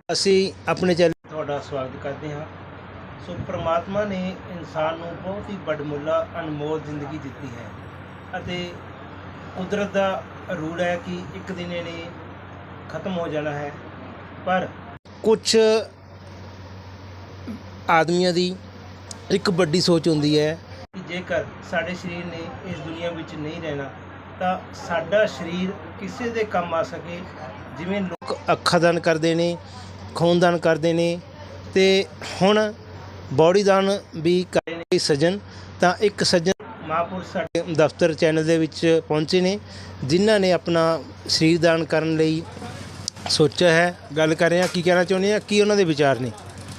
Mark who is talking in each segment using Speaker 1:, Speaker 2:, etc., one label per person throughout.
Speaker 1: ਅਸੀਂ ਆਪਣੇ ਚੈਨਲ ਤੁਹਾਡਾ ਸਵਾਗਤ ਕਰਦੇ ਹਾਂ। ਸੋ ਪ੍ਰਮਾਤਮਾ ਨੇ ਇਨਸਾਨ ਨੂੰ ਬਹੁਤ ਹੀ ਵੱਡਮੁੱਲਾ ਅਨਮੋਲ ਜ਼ਿੰਦਗੀ ਦਿੱਤੀ ਹੈ ਅਤੇ ਕੁਦਰਤ ਦਾ ਰੂਲ ਹੈ ਕਿ ਇੱਕ ਦਿਨ ਇਹਨੇ ਖਤਮ ਹੋ ਜਾਣਾ ਹੈ। ਪਰ ਕੁਝ ਆਦਮੀਆਂ ਦੀ ਇੱਕ ਵੱਡੀ ਸੋਚ ਹੁੰਦੀ ਹੈ ਕਿ ਜੇਕਰ ਸਾਡੇ ਸਰੀਰ ਨੇ ਇਸ ਦੁਨੀਆ ਵਿੱਚ ਨਹੀਂ ਰਹਿਣਾ ਤਾਂ ਸਾਡਾ ਸਰੀਰ ਕਿਸੇ ਦੇ ਕੰਮ ਆ ਸਕੇ। ਜਿਵੇਂ ਲੋਕ ਅੱਖਾਂ ਦਾਨ ਕਰਦੇ ਨੇ, ਖੂਨ ਦਾਨ ਕਰਦੇ ਨੇ ਤੇ ਹੁਣ ਬੋਡੀ ਦਾਨ ਵੀ ਕਰ ਰਹੇ ਨੇ ਸੱਜਣ। ਤਾਂ ਇੱਕ ਸੱਜਣ ਮਹਾਂਪੁਰਸ਼ ਸਾਡੇ ਦਫ਼ਤਰ ਚੈਨਲ ਦੇ ਵਿੱਚ ਪਹੁੰਚੇ ਨੇ ਜਿਨ੍ਹਾਂ ਨੇ ਆਪਣਾ ਸਰੀਰ ਦਾਨ ਕਰਨ ਲਈ ਸੋਚਿਆ ਹੈ। ਗੱਲ ਕਰ ਰਹੇ ਹਾਂ, ਕੀ ਕਹਿਣਾ ਚਾਹੁੰਦੇ ਆ, ਕੀ ਉਹਨਾਂ ਦੇ ਵਿਚਾਰ ਨੇ।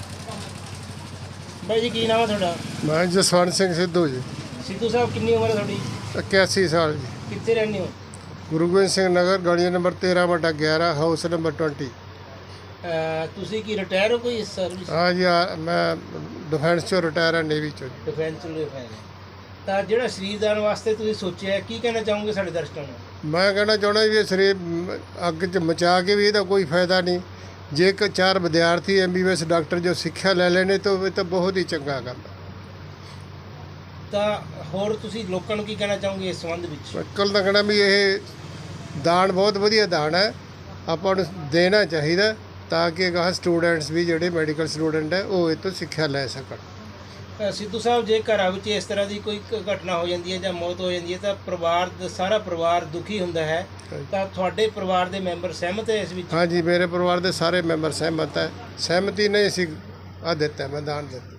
Speaker 1: ਬਾਈ ਜੀ, ਕੀ ਨਾਮ ਹੈ ਤੁਹਾਡਾ?
Speaker 2: ਮੈਂ ਜਸਵੰਤ ਸਿੰਘ ਸਿੱਧੂ ਜੀ।
Speaker 1: ਸਿੱਧੂ ਸਾਹਿਬ, ਕਿੰਨੀ ਉਮਰ ਹੈ ਤੁਹਾਡੀ?
Speaker 2: 81 ਸਾਲ ਜੀ।
Speaker 1: ਕਿੱਥੇ ਰਹਿੰਦੇ ਹੋ?
Speaker 2: ਗੁਰੂ ਗੋਬਿੰਦ ਸਿੰਘ ਨਗਰ, ਗਲੀ ਨੰਬਰ 13/11, ਹਾਊਸ ਨੰਬਰ 20।
Speaker 1: ਤੁਸੀਂ ਕੀ ਰਿਟਾਇਰ ਹੋ ਕੋਈ ਸਰਵਿਸ?
Speaker 2: ਹਾਂ ਜੀ, ਮੈਂ ਡਿਫੈਂਸ ਚੋਂ ਰਿਟਾਇਰ ਹਾਂ, ਨੇਵੀ ਚੋਂ।
Speaker 1: ਡਿਫੈਂਸ ਚੋਂ ਰਿਟਾਇਰ। ਤਾਂ ਜਿਹੜਾ ਸਰੀਰ ਦਾਨ ਵਾਸਤੇ ਤੁਸੀਂ ਸੋਚਿਆ, ਕੀ ਕਹਿਣਾ ਚਾਹੋਗੇ ਸਾਡੇ ਦਰਸ਼ਕਾਂ ਨੂੰ?
Speaker 2: ਮੈਂ ਕਹਿਣਾ ਚਾਹੁੰਦਾ ਵੀ ਇਹ ਸਰੀਰ ਅੱਗ 'ਚ ਮਚਾ ਕੇ ਵੀ ਇਹਦਾ ਕੋਈ ਫਾਇਦਾ ਨਹੀਂ। ਜੇ ਇੱਕ 4 ਵਿਦਿਆਰਥੀ MBBS ਡਾਕਟਰ ਜੋ ਸਿੱਖਿਆ ਲੈ ਲੈਣੇ ਤਾਂ ਇਹ ਤਾਂ ਬਹੁਤ ਹੀ ਚੰਗਾ ਕੰਮ ਹੈ।
Speaker 1: ਤਾਂ ਹੋਰ ਤੁਸੀਂ ਲੋਕਾਂ ਨੂੰ ਕੀ ਕਹਿਣਾ ਚਾਹੋਗੇ ਇਸ ਸੰਬੰਧ ਵਿੱਚ?
Speaker 2: ਕੱਲ ਦਾ ਕਹਿਣਾ ਵੀ ਇਹ ਦਾਨ ਬਹੁਤ ਵਧੀਆ ਦਾਨ ਹੈ, ਆਪਾਂ ਨੂੰ ਦੇਣਾ ਚਾਹੀਦਾ ਤਾਂ ਕਿ ਅਗਾਂਹ ਸਟੂਡੈਂਟਸ ਵੀ ਜਿਹੜੇ ਮੈਡੀਕਲ ਸਟੂਡੈਂਟ ਹੈ ਉਹ ਇਹ ਤੋਂ ਸਿੱਖਿਆ ਲੈ ਸਕਣ।
Speaker 1: ਸਿੱਧੂ ਸਾਹਿਬ, ਜੇ ਘਰਾਂ ਵਿੱਚ ਇਸ ਤਰ੍ਹਾਂ ਦੀ ਕੋਈ ਘਟਨਾ ਹੋ ਜਾਂਦੀ ਹੈ ਜਾਂ ਮੌਤ ਹੋ ਜਾਂਦੀ ਹੈ ਤਾਂ ਪਰਿਵਾਰ ਦਾ ਸਾਰਾ ਪਰਿਵਾਰ ਦੁਖੀ ਹੁੰਦਾ ਹੈ। ਤਾਂ ਤੁਹਾਡੇ ਪਰਿਵਾਰ ਦੇ ਮੈਂਬਰ ਸਹਿਮਤ ਹੈ ਇਸ ਵਿੱਚ?
Speaker 2: ਹਾਂਜੀ, ਮੇਰੇ ਪਰਿਵਾਰ ਦੇ ਸਾਰੇ ਮੈਂਬਰ ਸਹਿਮਤ ਹੈ। ਸਹਿਮਤੀ ਨਹੀਂ ਅਸੀਂ ਦਿੱਤਾ, ਮੈਂ ਦਾਨ ਦਿੱਤਾ।